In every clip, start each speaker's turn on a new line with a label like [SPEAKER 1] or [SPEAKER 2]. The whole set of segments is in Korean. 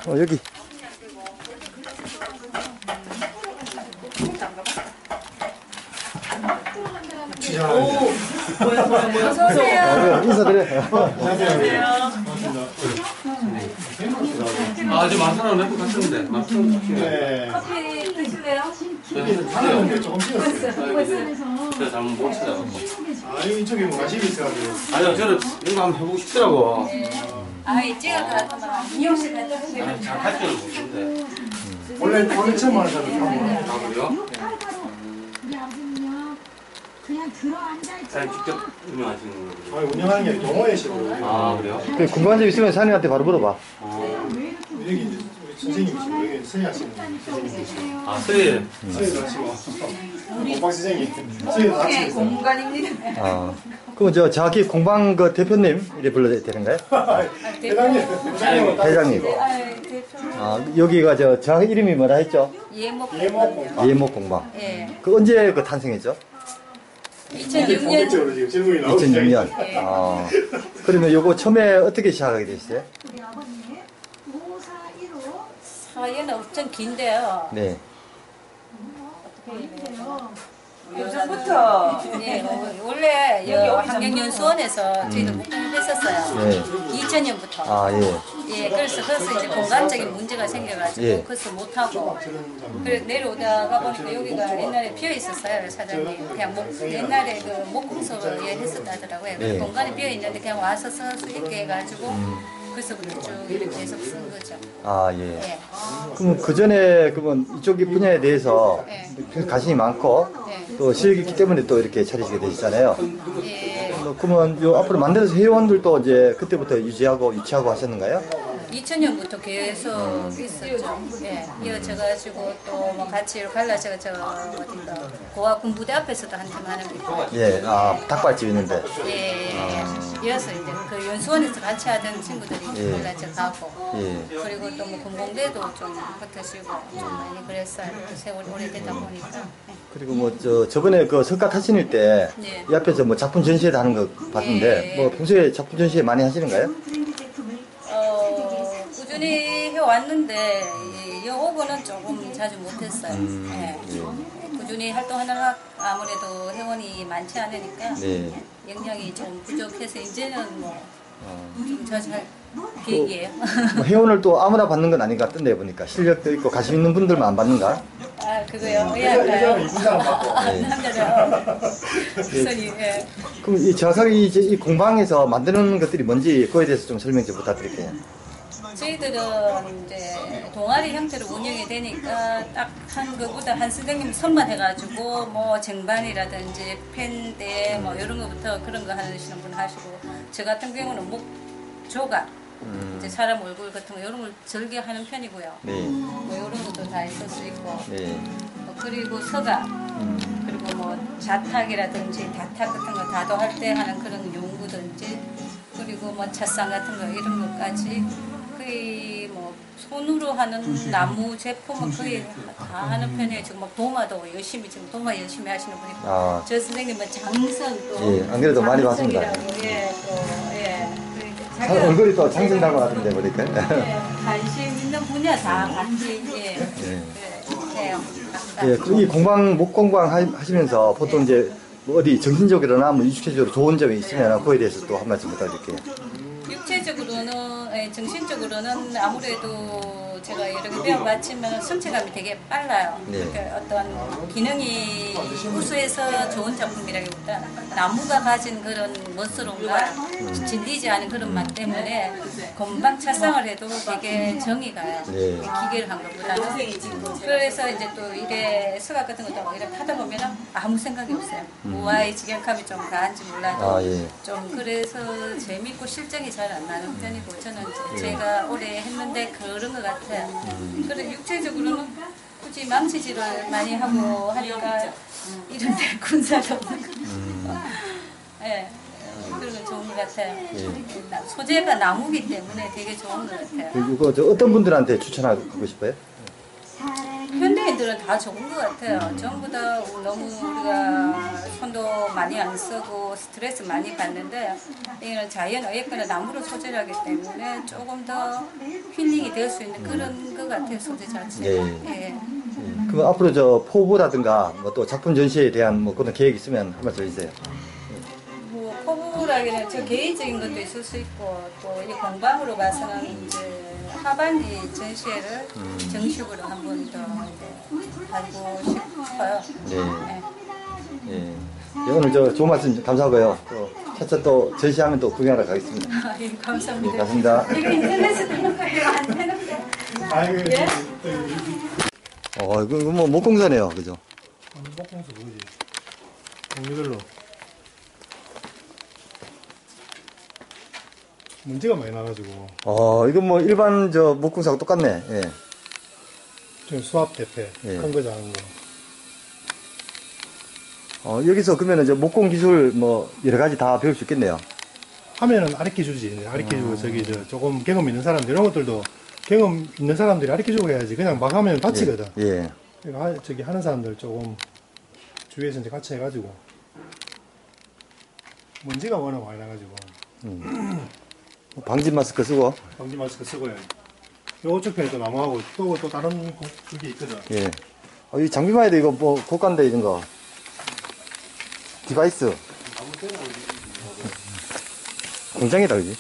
[SPEAKER 1] 여기.
[SPEAKER 2] 어서오세요.
[SPEAKER 1] 인사드려요.
[SPEAKER 2] 안녕하세요.
[SPEAKER 3] 아, 지금 만사람 몇분 갔었는데.
[SPEAKER 1] 네.
[SPEAKER 2] 커피 드실래요?
[SPEAKER 1] 하나는 조금 찍었어요.
[SPEAKER 3] 제가 잘못 못 찾아서.
[SPEAKER 1] 아, 이쪽에 뭐 관심이 있어가지고.
[SPEAKER 3] 아니요, 저는 이거 한번 해보고 싶더라고.
[SPEAKER 2] 아이 찍어서 미용실 갔다 오세요.
[SPEAKER 3] 잘 할 줄은 모르는데.
[SPEAKER 1] 원래 처음 하는 사람이
[SPEAKER 3] 아, 그래요?
[SPEAKER 4] 우리 아버님요 그냥 들어앉아있죠.
[SPEAKER 3] 사장님 직접 운영하시는 거예요?
[SPEAKER 1] 아니, 운영하는 게 아니라 동호회 식으로.
[SPEAKER 3] 아, 그래요?
[SPEAKER 1] 궁금한 점 있으면 사장님한테 바로 물어봐.
[SPEAKER 4] 왜 이렇게
[SPEAKER 1] 여기 이제 우리 선생님이시고, 여기 선생하시는 선생님이시고.
[SPEAKER 3] 아, 선생님.
[SPEAKER 1] 선생님도 하시고. 공방 선생님. 선생님도
[SPEAKER 2] 이렇게
[SPEAKER 1] 하시고.
[SPEAKER 2] 공간입니다.
[SPEAKER 1] 아. 그럼 정확히 공방 그 대표님 이래 불러야 되는가요? 회장님. 회장님.
[SPEAKER 2] 아이 대표
[SPEAKER 1] 아, 여기가 정확히 이름이 뭐라 했죠?
[SPEAKER 2] 예목
[SPEAKER 1] 예목 공방.
[SPEAKER 2] 예.
[SPEAKER 1] 그 언제 그 탄생했죠?
[SPEAKER 2] 2006년
[SPEAKER 1] 지금 질문이 나오고 2006년. 아. 그러면 요거 처음에 어떻게 시작하게 되셨어요?
[SPEAKER 4] 우리 아버님 5415
[SPEAKER 2] 사연은 엄청 긴데요.
[SPEAKER 1] 네.
[SPEAKER 2] 요즘부터 네, 원래 환경연수원에서 저희도 목공했었어요.
[SPEAKER 1] 네.
[SPEAKER 2] 2000년부터.
[SPEAKER 1] 아, 예.
[SPEAKER 2] 예, 그래서 거기서 이제 공간적인 문제가 생겨가지고
[SPEAKER 1] 예.
[SPEAKER 2] 거기서 못하고 그래 내려오다가 보니까 여기가 옛날에 비어 있었어요, 사장님. 그냥 옛날에 그 목공소를 예, 했었다 하더라고요.
[SPEAKER 1] 예.
[SPEAKER 2] 공간이 비어 있는데 그냥 와서 쓸 수 있게 해가지고 그래서부터 쭉 이렇게 계속 쓴 거죠.
[SPEAKER 1] 아, 예.
[SPEAKER 2] 예.
[SPEAKER 1] 그럼 그 전에 그러면 이쪽 분야에 대해서
[SPEAKER 2] 네.
[SPEAKER 1] 관심이 많고
[SPEAKER 2] 네.
[SPEAKER 1] 또 실력이 있기 때문에 또 이렇게 차리시게 되셨잖아요.
[SPEAKER 2] 예.
[SPEAKER 1] 그러면 요 앞으로 만들어서 회원들도 이제 그때부터 유치하고 하셨는가요?
[SPEAKER 2] 2000년부터 계속 있었죠. 예, 이어져가지고 또 뭐 같이 갈라져가 어딘가 고아 군부대 앞에서도 한팀 하는 거 있고.
[SPEAKER 1] 예, 아, 닭발집 있는데.
[SPEAKER 2] 예, 이어서 이제 그 연수원에서 같이 하던 친구들이
[SPEAKER 1] 예.
[SPEAKER 2] 갈라져 가고.
[SPEAKER 1] 예.
[SPEAKER 2] 그리고 또 뭐 군공대도 좀 붙으시고 좀 많이 그랬어요. 세월이 오래되다 보니까. 예.
[SPEAKER 1] 그리고 뭐 저번에 그 석가 타신일 때
[SPEAKER 2] 네.
[SPEAKER 1] 이 앞에서 뭐 작품 전시회도 하는 거 봤는데
[SPEAKER 2] 예.
[SPEAKER 1] 뭐 평소에 작품 전시회 많이 하시는가요?
[SPEAKER 2] 꾸준히 해왔는데 이 오고는 조금 자주 못했어요. 예. 꾸준히 활동하느라 아무래도 회원이 많지 않으니까
[SPEAKER 1] 네.
[SPEAKER 2] 역량이 좀 부족해서 이제는 뭐 좀 자주 할 계획이에요.
[SPEAKER 1] 뭐 회원을 또 아무나 받는 건 아닌 것 같던데 보니까 실력도 있고 관심 있는 분들만 안 받는가?
[SPEAKER 2] 아 그거요? 왜 할까요?
[SPEAKER 1] 네.
[SPEAKER 2] 남자죠. 선이 예.
[SPEAKER 1] 그럼 이 정확하게 이 공방에서 만드는 것들이 뭔지 그거에 대해서 좀 설명 좀 부탁드릴게요.
[SPEAKER 2] 저희들은 이제 동아리 형태로 운영이 되니까 딱 한 거보다 한 선생님 선만 해가지고 뭐 쟁반이라든지 펜대 뭐 이런 거부터 그런 거 하시는 분 하시고 저 같은 경우는 목 조각 이제 사람 얼굴 같은 거 이런 걸 절개하는 편이고요.
[SPEAKER 1] 네.
[SPEAKER 2] 뭐 이런 것도 다 있을 수 있고
[SPEAKER 1] 네.
[SPEAKER 2] 그리고 서가 그리고 뭐 자탁이라든지 다탁 같은 거 다도할 때 하는 그런 용구든지 그리고 뭐 찻상 같은 거 이런 것까지 거의 뭐 손으로 하는 나무 제품은 거의 다 하는 편이에요. 지금 막 도마도 열심히 지금 도마 열심히 하시는 분이 있고
[SPEAKER 1] 아.
[SPEAKER 2] 저 선생님은 장선 또
[SPEAKER 1] 예, 안 그래도 많이 봤습니다.
[SPEAKER 2] 장선이라고, 예, 또 예. 자기가
[SPEAKER 1] 얼굴이 또 장생 닮아가던데 보니까.
[SPEAKER 2] 예, 관심 있는 분야 다 같이 예.
[SPEAKER 1] 예.
[SPEAKER 2] 그래, 해요. 각각.
[SPEAKER 1] 예, 이 공방 목공방 하시면서 보통 이제 뭐 어디 정신적으로나 뭐 육체적으로 좋은 점이 있으면 그거에 대해서 또 한 말씀 부탁드릴게요.
[SPEAKER 2] 육체적으로는 정신적으로는 아무래도 제가 여러 개 배워봤지만 성취감이 되게 빨라요.
[SPEAKER 1] 네.
[SPEAKER 2] 그러니까 어떤 기능이 우수해서 좋은 작품이라기보다 나무가 가진 그런 멋스러움과 질리지 않은 그런 맛 때문에 금방 찰상을 해도 되게 정이 가요.
[SPEAKER 1] 네.
[SPEAKER 2] 기계를 한 것보다는. 그래서 이제 또 이래 서각 같은 것도 이렇게 하다 보면 아무 생각이 없어요. 우아의 직역함이 좀 가한지 몰라도
[SPEAKER 1] 아, 예.
[SPEAKER 2] 좀 그래서 재밌고 실정이 잘 안 나는 편이고 저는 이제 제가 오래 했는데 그런 것 같아요. 그래 육체적으로는 굳이 망치질을 많이 하고 하니까 이런데 군사도 없는 예, 그런 건 좋은 것 같아요. 소재가 나무기 때문에 되게 좋은 것 같아요.
[SPEAKER 1] 그리고 어떤 분들한테 추천하고 싶어요?
[SPEAKER 2] 현대인 디자인들은 다 좋은 것 같아요. 전부 다 너무 우리가 손도 많이 안 쓰고 스트레스 많이 받는데 이거는 자연 어예거나 나무로 소재를 하기 때문에 조금 더 힐링이 될 수 있는 그런 것 같아요. 소재 자체가.
[SPEAKER 1] 예.
[SPEAKER 2] 예.
[SPEAKER 1] 그럼 앞으로 저 포부라든가 뭐 또 작품 전시에 대한 뭐 그런 계획 있으면 한 말씀 해주세요.
[SPEAKER 2] 뭐 포부라기는 저 개인적인 것도 있을 수 있고 또 이 공방으로 봐서는 이제 하반기 전시회를 정식으로 한 번 더 하고 싶어요.
[SPEAKER 1] 네.
[SPEAKER 2] 네.
[SPEAKER 1] 예. 예, 오늘 저 좋은 말씀 감사하고요. 또 차차 또 전시하면 또 구경하러 가겠습니다.
[SPEAKER 2] 예, 감사합니다.
[SPEAKER 1] 네, 감사합니다.
[SPEAKER 2] 이거 인터넷에 되는 거예요? 안 되는데?
[SPEAKER 5] 아이고,
[SPEAKER 2] 예?
[SPEAKER 1] 이거 뭐 목공사네요, 그죠?
[SPEAKER 5] 목공수 뭐지? 종류별로 문제가 많이 나가지고
[SPEAKER 1] 이거 뭐 일반 저 목공사하고 똑같네. 예.
[SPEAKER 5] 좀 수압 대패
[SPEAKER 1] 예.
[SPEAKER 5] 큰 거 작은 거
[SPEAKER 1] 여기서 그러면 이제 목공 기술 뭐 여러 가지 다 배울 수 있겠네요.
[SPEAKER 5] 하면은 아르키 주지. 아르키 주고 저기 저 조금 경험 있는 사람들 이런 것들도 경험 있는 사람들이 아르키 주고 해야지. 그냥 막 하면 다치거든.
[SPEAKER 1] 예.
[SPEAKER 5] 그러니까 저기 하는 사람들 조금 주위에서 이제 같이 해가지고 먼지가 워낙 많이 나가지고
[SPEAKER 1] 방진 마스크 쓰고.
[SPEAKER 5] 방지 마스크 쓰고 해야지. 요쪽 편에 또 나무하고 또 다른 그게 있거든.
[SPEAKER 1] 예. 이 장비만 해도 이거 뭐 고가인데 이런 거. 디바이스. 공장이다, 그지?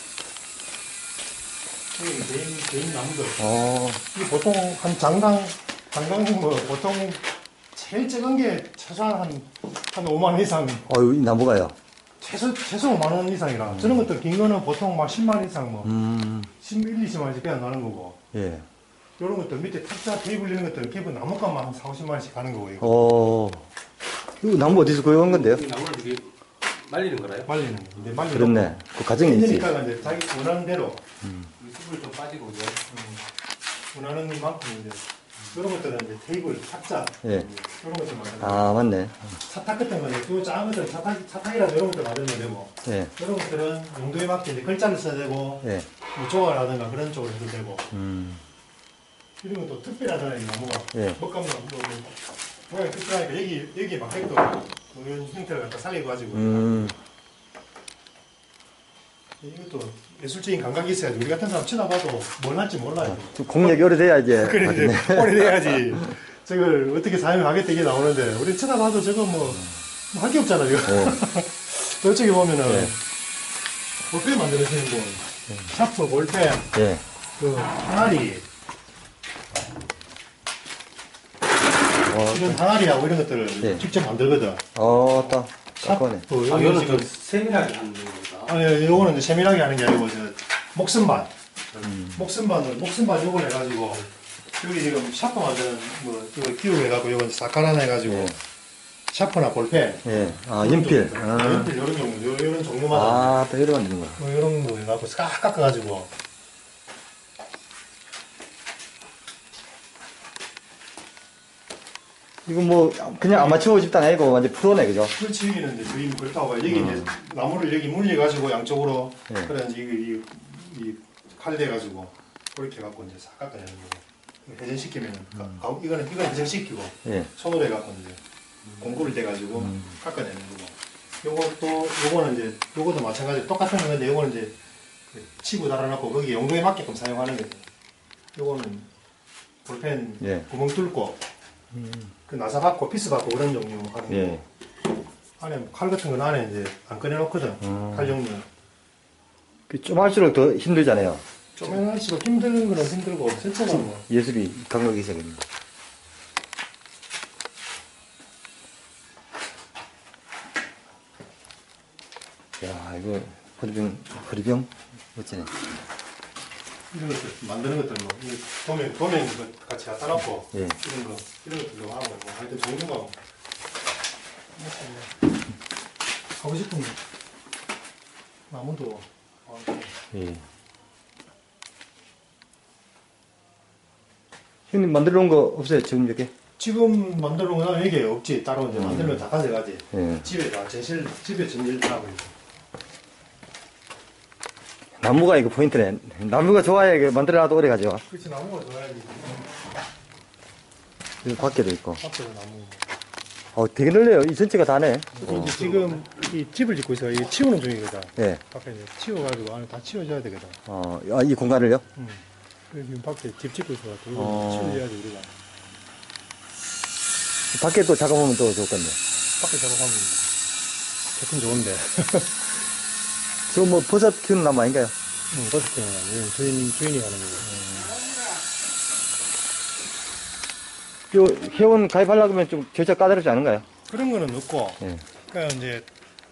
[SPEAKER 5] 개인 나무들.
[SPEAKER 1] 어,
[SPEAKER 5] 이게 보통 한 장당 뭐 보통 제일 작은 게 최소한 한 5만 원 이상
[SPEAKER 1] 이 나무가요.
[SPEAKER 5] 최소 5만 원 이상이라 저런 것들 긴 거는 보통 막 10만 원 이상 뭐 11, 20만 원씩 그냥 나는 거고
[SPEAKER 1] 예.
[SPEAKER 5] 이런 것들 밑에 탁자 테이블 이런 것들은 기본 나무값만 한 4, 50만 원씩 가는 거고 이거
[SPEAKER 1] 이거 나무 어디서 구해온 건데요?
[SPEAKER 3] 이 나무를 이게 말리는 거라요?
[SPEAKER 5] 말리는 거. 근데 말리는
[SPEAKER 1] 그렇네. 그 과정이 있지.
[SPEAKER 5] 그러니까 이제 자기 원하는 대로
[SPEAKER 3] 이 숯불 좀 빠지고 이제
[SPEAKER 5] 원하는 만큼 이제 이런 것들은 이제 테이블 탁자
[SPEAKER 1] 예.
[SPEAKER 5] 이런 것들 만드는 거.
[SPEAKER 1] 아, 맞네.
[SPEAKER 5] 차탁 같은 거는 또 작은 것들 차탁이라도 이런 것들 만들면 되고
[SPEAKER 1] 예.
[SPEAKER 5] 이런 것들은 용도에 맞게 이제 글자를 써야 되고
[SPEAKER 1] 예.
[SPEAKER 5] 뭐 조각이라든가 그런 쪽으로 해도 되고
[SPEAKER 1] 음.
[SPEAKER 5] 이런 것도 특별하잖아요 이 나무가
[SPEAKER 1] 예.
[SPEAKER 5] 먹감도 모양이 특별하니까 여기 막 핵도 뭐 이런 형태를 갖다 살려가지고 이것도 예술적인 감각이 있어야지 우리 같은 사람 쳐다봐도 뭘 할지 몰라요.
[SPEAKER 1] 좀 공략이 오래돼야 이제.
[SPEAKER 5] 그래
[SPEAKER 1] 맞네.
[SPEAKER 5] 이제 오래돼야지 저걸 어떻게 사용하겠다 이게 나오는데 우리 쳐다봐도 저거 뭐 할 게 없잖아 이거. 저쪽에 보면은
[SPEAKER 1] 예.
[SPEAKER 5] 볼펜 만들어지는 분 샤프 볼펜
[SPEAKER 1] 예.
[SPEAKER 5] 그 항아리 이런 항아리하고 이런 것들을
[SPEAKER 1] 예.
[SPEAKER 5] 직접 만들거든.
[SPEAKER 1] 딱. 깎아네.
[SPEAKER 5] 샤프
[SPEAKER 3] 아, 이거는
[SPEAKER 5] 지금
[SPEAKER 3] 좀 세밀하게 하는 거다.
[SPEAKER 5] 아니 요거는 이제 세밀하게 하는 게 아니고 저 목선반 목선반 요걸 해가지고 여기 지금 샤프 만드는 뭐 이거 기우 해가지고 요건 싹갈아내 해가지고
[SPEAKER 1] 예.
[SPEAKER 5] 샤프나 볼펜
[SPEAKER 1] 예. 연필.
[SPEAKER 5] 연필 요런 종류 요런 종류마다
[SPEAKER 1] 또 이래 만드는 거야.
[SPEAKER 5] 뭐 요런 거 해갖고 싹 깎아가지고
[SPEAKER 1] 이거 뭐, 그냥 아마추어 집단 아니고 완전 프로네, 그죠?
[SPEAKER 5] 그렇지 여기는 이제 그림 그렇다고 봐요. 여기 이제 나무를 여기 물려가지고 양쪽으로
[SPEAKER 1] 예.
[SPEAKER 5] 그래 이제 이 칼 대가지고 그렇게 해갖고 이제 싹 깎아내는 거고 회전시키면은 이거는 회전시키고
[SPEAKER 1] 예.
[SPEAKER 5] 손으로 해갖고 이제 공구를 대가지고 깎아내는 거고 요거는 이제 요것도 마찬가지로 똑같은 건데 요거는 이제 치고 달아놓고 거기 용도에 맞게끔 사용하는 거죠. 요거는 볼펜
[SPEAKER 1] 예.
[SPEAKER 5] 구멍 뚫고 그 나사 받고 피스 받고 그런 종류 하는 거.
[SPEAKER 1] 예.
[SPEAKER 5] 안에 칼 같은 건 안에 이제 안 꺼내놓거든. 칼 종류.
[SPEAKER 1] 좀 할수록 더 힘들잖아요.
[SPEAKER 5] 쪼매날수록 힘든 거는 힘들고 전체가 뭐.
[SPEAKER 1] 예술이 감각이 있어야겠네. 야, 이거 허리병 멋지네.
[SPEAKER 5] 이런 것들 만드는 것들 뭐 이거 도면 이거 같이 갖다 놓고
[SPEAKER 1] 예.
[SPEAKER 5] 이런 것들도 하고 뭐 하여튼 종류가 뭐. 하고 싶은 거. 나무도 많고.
[SPEAKER 1] 예. 형님 만들어 놓은 거 없어요? 지금 이렇게?
[SPEAKER 5] 지금 만들어 놓은 건 여기 없지. 따로 이제 만들면 다 가져가지.
[SPEAKER 1] 예.
[SPEAKER 5] 집에 전실 다 하고 있어.
[SPEAKER 1] 나무가 이거 포인트네. 나무가 좋아야 이게 만들어놔도 오래 가죠.
[SPEAKER 5] 그렇지 나무가 좋아야지.
[SPEAKER 1] 여기 밖에도 있고.
[SPEAKER 5] 밖에도 나무.
[SPEAKER 1] 되게 넓네요. 이 전체가 다네.
[SPEAKER 5] 이제 지금 이 집을 짓고 있어. 이 치우는 중이거든.
[SPEAKER 1] 예.
[SPEAKER 5] 밖에 이제 치워가지고 안에 다 치워줘야 되거든.
[SPEAKER 1] 이 공간을요?
[SPEAKER 5] 그래서 지금 밖에 집 짓고 있어가지고 이거
[SPEAKER 1] 어.
[SPEAKER 5] 치워줘야지 우리가.
[SPEAKER 1] 밖에 또 작업하면 또 좋을 건데.
[SPEAKER 5] 밖에 작업하면 좋긴 좋은데.
[SPEAKER 1] 저 뭐 버섯 키우는 나무 아닌가요?
[SPEAKER 5] 버스킹은 아니에요. 주인이 하는 거고.
[SPEAKER 1] 요 회원 가입하려고 하면 좀 절차 까다롭지 않은가요?
[SPEAKER 5] 그런 거는 없고,
[SPEAKER 1] 예.
[SPEAKER 5] 그러니까 이제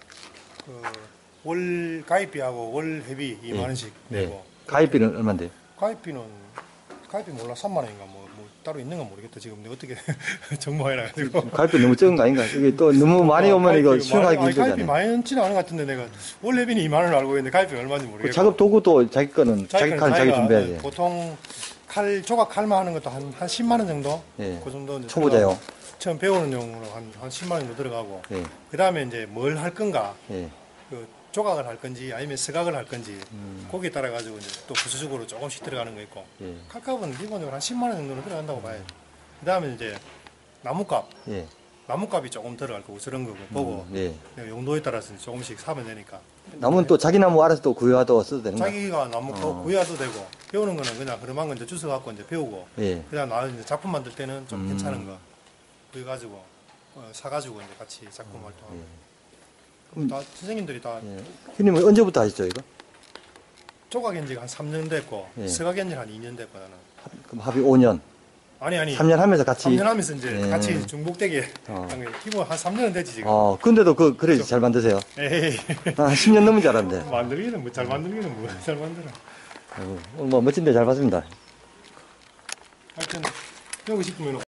[SPEAKER 5] 월 가입비하고 월 회비 2만 원씩 내고.
[SPEAKER 1] 가입비는 얼마인데요?
[SPEAKER 5] 가입비 몰라 3만 원인가 뭐 따로 있는 건 모르겠다. 지금 내가 어떻게 정보해놔가지고.
[SPEAKER 1] 가입비 너무 적은 거 아닌가? 이게 또 너무 많이 오면 이거 수용하기
[SPEAKER 5] 가입비
[SPEAKER 1] 힘들잖아요.
[SPEAKER 5] 많이 넣지는 않은 것 같은데 내가 월 회비는 2만 원을 알고 있는데 가입비 얼마인지
[SPEAKER 1] 그
[SPEAKER 5] 모르겠고.
[SPEAKER 1] 작업 도구도 자기 거는 자기 칸 자기 준비해야 돼요.
[SPEAKER 5] 보통 조각 칼만 하는 것도 한 10만 원 정도?
[SPEAKER 1] 예.
[SPEAKER 5] 그 정도 이제
[SPEAKER 1] 초보자요.
[SPEAKER 5] 들어가고, 처음 배우는 용으로 한 10만 원 정도 들어가고.
[SPEAKER 1] 예.
[SPEAKER 5] 그 다음에 이제 뭘 할 건가.
[SPEAKER 1] 예.
[SPEAKER 5] 그 조각을 할 건지 아니면 서각을 할 건지 거기에 따라 가지고 이제 또 부수적으로 조금씩 들어가는 거 있고
[SPEAKER 1] 예.
[SPEAKER 5] 칼값은 기본적으로 한 10만 원 정도는 들어간다고 봐요. 그 다음에 이제
[SPEAKER 1] 예.
[SPEAKER 5] 나무값이 조금 들어갈 거고 저런 거고 보고
[SPEAKER 1] 예.
[SPEAKER 5] 용도에 따라서 조금씩 사면 되니까
[SPEAKER 1] 나무는 또 자기 나무 알아서 또 구해와도 써도 되는 거야?
[SPEAKER 5] 자기가 나무 구해와도 되고 배우는 거는 그냥 흐름한 거 이제 주워 갖고 이제 배우고
[SPEAKER 1] 예.
[SPEAKER 5] 그다음 나 이제 작품 만들 때는 좀 괜찮은 거 구해가지고 사가지고 이제 같이 작품 활동하고 다 선생님들이 다
[SPEAKER 1] 예. 형님은 언제부터 하셨죠, 이거?
[SPEAKER 5] 조각인 지가 한 3년 됐고
[SPEAKER 1] 예.
[SPEAKER 5] 서각인 지한 2년 됐고 나는
[SPEAKER 1] 그럼 합의 5년.
[SPEAKER 5] 아니
[SPEAKER 1] 3년 하면서 같이.
[SPEAKER 5] 3년 하면서 이제
[SPEAKER 1] 예.
[SPEAKER 5] 같이 중복되게
[SPEAKER 1] 어.
[SPEAKER 5] 한 거예요. 기본 한 3년은 되지 지금.
[SPEAKER 1] 근데도 그래 잘 만드세요.
[SPEAKER 5] 에이
[SPEAKER 1] 10년 넘은 줄 알았는데.
[SPEAKER 5] 만들기는 뭐 잘 만들기는 뭐 잘 만들어.
[SPEAKER 1] 오늘 뭐 멋진데 잘 봤습니다.
[SPEAKER 5] 하여튼 배우고 싶으면